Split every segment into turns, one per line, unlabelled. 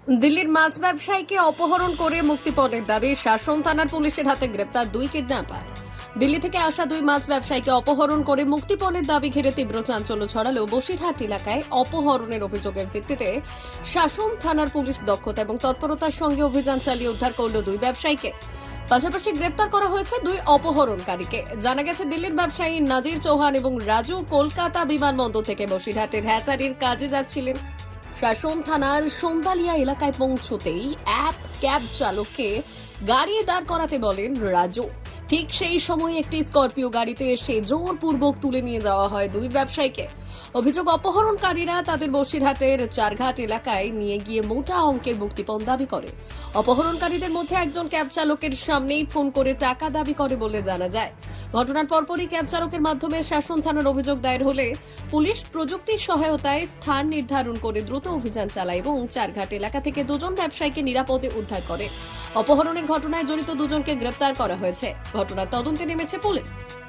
দিল্লির মাছ ব্যবসায়ীকে অপহরণ করে মুক্তিপণের দাবি শাসন থানার পুলিশের হাতে গ্রেপ্তার দুই কিডন্যাপার। দিল্লি থেকে আসা দুই মাছ ব্যবসায়ীকে অপহরণ করে মুক্তিপণের দাবি ঘিরে তীব্র চাঞ্চল্য ছড়ালো বসিরহাট এলাকায়। অপহরণের অভিযোগের ভিত্তিতে শাসন থানার পুলিশ দক্ষতা এবং তৎপরতার সঙ্গে অভিযান চালিয়ে উদ্ধার করল দুই ব্যবসায়ীকে। পাশাপাশি গ্রেপ্তার করা হয়েছে দুই অপহরণকারীকে। জানা গেছে দিল্লির ব্যবসায়ী নাজির চৌহান এবং রাজু কলকাতা বিমানবন্দর থেকে বসিরহাটের হ্যাচারির কাজে যাচ্ছিলেন। শাসন থানার সোমবালিয়া এলাকায় পৌঁছতেই ক্যাব চালককে গাড়ি দাঁড় করাতে বলেন রাজু। ঠিক সেই সময় একটি স্করপিও গাড়িতে এসে জোরপূর্বক তুলে নিয়ে যাওয়া হয় দুই ব্যবসায়ীকে। অভিযোগ, অপহরণকারীরা তাদের বসিরহাটের চারঘাট এলাকায় নিয়ে গিয়ে মোটা অঙ্কের মুক্তিপণ দাবি করে। অপহরণকারীদের মধ্যে একজন ক্যাব চালকের সামনেই ফোন করে টাকা দাবি করে বলে জানা যায়। ঘটনার পরপরই ক্যাব চালকের মাধ্যমে শাসন থানার অভিযোগ দায়ের হলে পুলিশ প্রযুক্তির সহায়তায় স্থান নির্ধারণ করে দ্রুত অভিযান চালায় এবং চারঘাট এলাকা থেকে দুজন ব্যবসায়ীকে নিরাপদে উদ্ধার করে। অপহরণের ঘটনায় জড়িত দুজনকে গ্রেপ্তার করা হয়েছে। ঘটনার তদন্তে নেমেছে পুলিশ।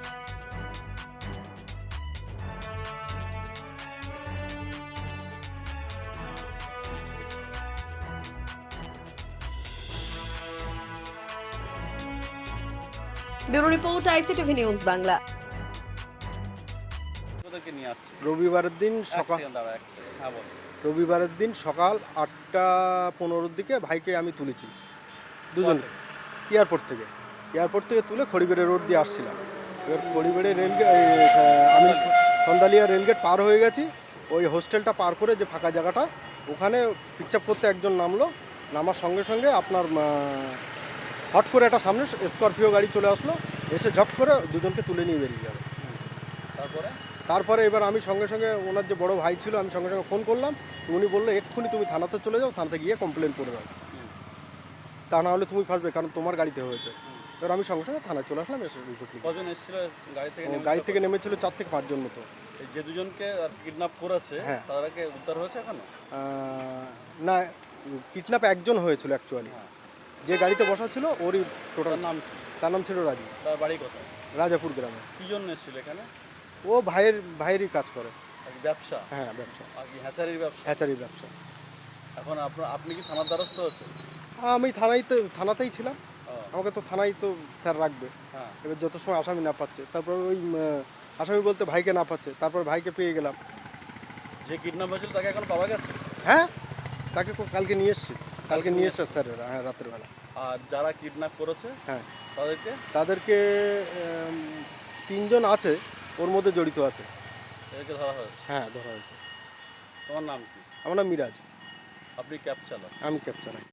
Bureau report, ICTV news Bangla.
রবিবারের দিন সকাল 8:15 দিকে ভাইকে আমি তুলেছি দুজন এয়ারপোর্ট থেকে তুলে খড়িবেড়ে রোড দিয়ে আসছিলাম। এবার খড়িবেড়ে আমি সন্দালিয়া রেলগেট পার হয়ে গেছি। ওই হোস্টেলটা পার করে যে ফাঁকা জায়গাটা, ওখানে পিকচাপ করতে একজন নামার সঙ্গে সঙ্গে আপনার হট করে একটা সামনে স্করপিও গাড়ি চলে আসলো, এসে ঝপ করে দুজনকে তুলে নিয়ে বেরিয়ে গেল। তারপরে এবার আমি সঙ্গে সঙ্গে ওনার যে বড় ভাই ছিল, আমি সঙ্গে সঙ্গে ফোন করলাম। উনি বললো এক্ষুনি তুমি থানাতে চলে যাও, থানাতে গিয়ে কমপ্লেন করে দাও, তা না হলে তুমি ফাঁসবে, কারণ তোমার গাড়িতে হয়েছে। এবার আমি সঙ্গে সঙ্গে থানায় চলে আসলাম। এসে
কজন এসেছিল
গাড়ি থেকে নেমেছিল 4 থেকে 5 জন মতো।
যে দুজনকে কিডন্যাপ করেছে তাদেরকে উদ্ধার হয়েছে এখনো?
না, কিডন্যাপ একজন হয়েছিল অ্যাকচুয়ালি। যে গাড়িতে বসা ছিল ওরই টোটাল তার নাম ছিল রাজু।
তার বাড়ি কোথায়?
রাজাপুর গ্রামে।
কি জন্য এসেছিল এখানে?
ও ভাইয়েরই কাজ করে।
ব্যবসা?
হ্যাঁ, ব্যবসা।
আর কি হ্যাচারির ব্যবসা?
হ্যাচারির ব্যবসা।
এখন আপনি কি থানার দ্বারস্থ হচ্ছেন?
আমি থানাতেই ছিলাম। আমাকে তো থানায় তো স্যার রাখবে। এবার যত সময় আসামি না পাচ্ছে, তারপর ওই আসামি বলতে ভাইকে না পাচ্ছে, তারপর ভাইকে পেয়ে গেলাম।
যে কিডন্যাপ হয়েছিল তাকে এখন পাওয়া গেছে?
হ্যাঁ, তাকে কালকে নিয়ে এসছে স্যারেরা। হ্যাঁ, রাত্রের বেলা।
আর যারা কিডন্যাপ করেছে
হ্যাঁ
তাদেরকে
3 জন আছে, ওর মধ্যে জড়িত আছে।
এদেরকে ধরা হয়েছে?
হ্যাঁ, ধরা হয়েছে।
তোমার নাম কি?
আমার নাম মিরাজ।
আপনি ক্যাব চালক?
আমি ক্যাব চালাই।